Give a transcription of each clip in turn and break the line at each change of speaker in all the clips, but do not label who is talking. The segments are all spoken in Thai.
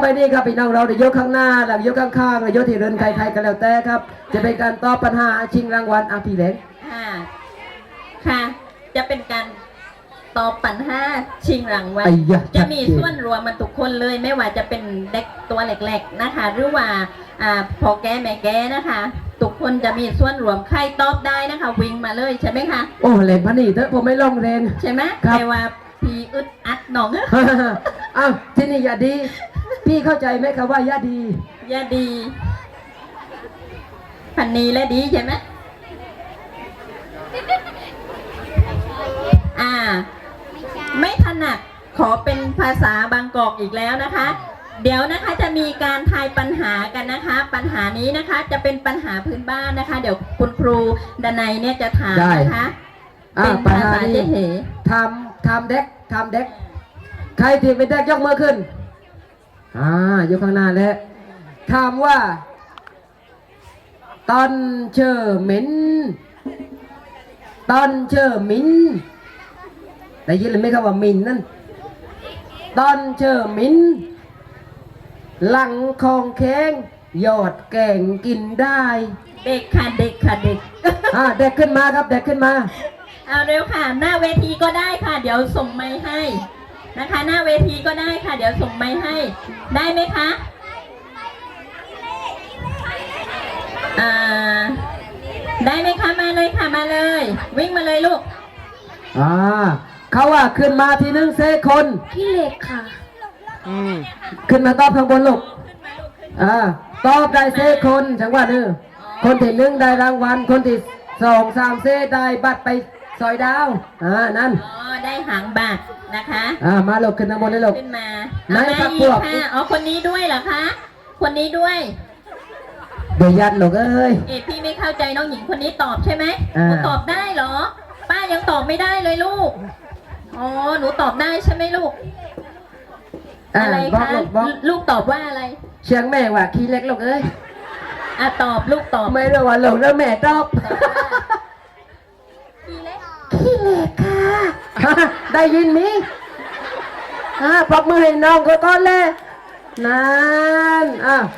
ไปนี่ครับพี่น้องเราจะยกข้างหน้าหลังยกข้างๆหรือยกที่เรือนใครๆกันแล้วแต่ครับจะเป็นการตอบปัญหาชิงรางวัลพี่เล็ก
ค่ะจะเป็นการตอบปัญหาชิงรางวัลจะมีส่วนรวมมาทุกคนเลยไม่ว่าจะเป็นเด็กตัวเล็กๆนะคะหรือว่าพอแก่แม่แก่นะคะทุกคนจะมีส่วนรวมใครตอบได้นะคะวิ่งมาเลยใช่ไหมคะ
โอ้เล่นพันนี่เถอะผมไม่ลงเล่น
ใช่ไหมแต่ว่าพี่อึดอัดหนอง
อ้าวที่นี่อย่าดีพี่เข้าใจไหมครับว่าอย่าดี
พันนีและดีใช่ไหมไม่ถนัดขอเป็นภาษาบางกอกอีกแล้วนะคะเดี๋ยวนะคะจะมีการทายปัญหากันนะคะปัญหานี้นะคะจะเป็นปัญหาพื้นบ้านนะคะเดี๋ยวคุณครูดนัยเนี่ยจะถามนะคะ
เป็นภาษาเจ๊ทำเด็กใครที่เป็นเด็กยกมือขึ้นยกข้างหน้าแล้วถามว่าตอนเชอหมินได้ยินหรือไม่ครับว่ามินนั่นตอนเชอหมินหลังคองแข้งยอดแกงกินได้
เด็กค่ะเด็ก
ขึ้นมาครับเด็กขึ้นมา
เอาเร็วค่ะหน้าเวทีก็ได้ค่ะเดี๋ยวส่งไมค์ให้นะคะหน้าเวทีก็ได้ค่ะเดี๋ยวส่งไมค์ให้ได้ไหมคะได้ไหมคะมาเลยค่ะมาเลยวิ่งมาเลยลูก
เขาว่าขึ้นมาทีนึงเซคน
พี่เล็กค่ะ
ขึ้นมาตอบข้างบนลูกตอบได้เซคนจังหวะนึงคนที่1ได้รางวัลคนที่2 3เซได้บัตรไปซอยดาวนั่น
ได้หางบัตรนะคะ
มาลูกขึ้นข้างบนเลยลูก
ขึ้นมามาอีกค่ะคนนี้ด้วยเหรอคะคนนี้ด้วย
เดี๋ยวยัดลูก
พี่ไม่เข้าใจน้องหญิงคนนี้ตอบใช่ไหมหนูตอบได้เหรอป้ายังตอบไม่ได้เลยลูกหนูตอบได้ใช่ไหมลูกอะไรคะลูกตอบว่าอะไร
เชียงแม่ว่าขี้เล็กลูก
ตอบลูกตอบ
ไม่รู้ว่าลูกแล้วแม่ตอบ
ขี้เล็กค่ะ
ได้ยินมั้ยปรบมือให้น้องก็ต้อนเลยนั่น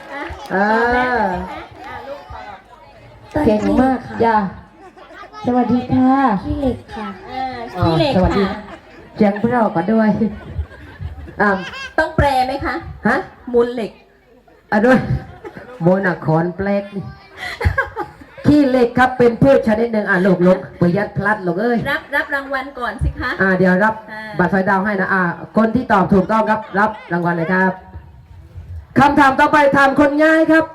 เก่งมากค่ะ
สวัสดีค่ะ
ขี้เล็กค่ะ
ขี้เล็กค่ะ
เจียงพวกเราก็ด้วย
ต้องแปลไหมคะมูลเหล็ก
ด้วยโมนาคอนแปลกขี้เหล็กครับเป็นพืชชนิดหนึ่งลูกประหยัดพลัดลูก
รับรางวัลก่อนสิคะ
เดี๋ยวรับบัตรไฟดาวให้นะคนที่ตอบถูกต้องครับรับรางวัลเลยครับคำถามต่อไปถามคนง่ายครับ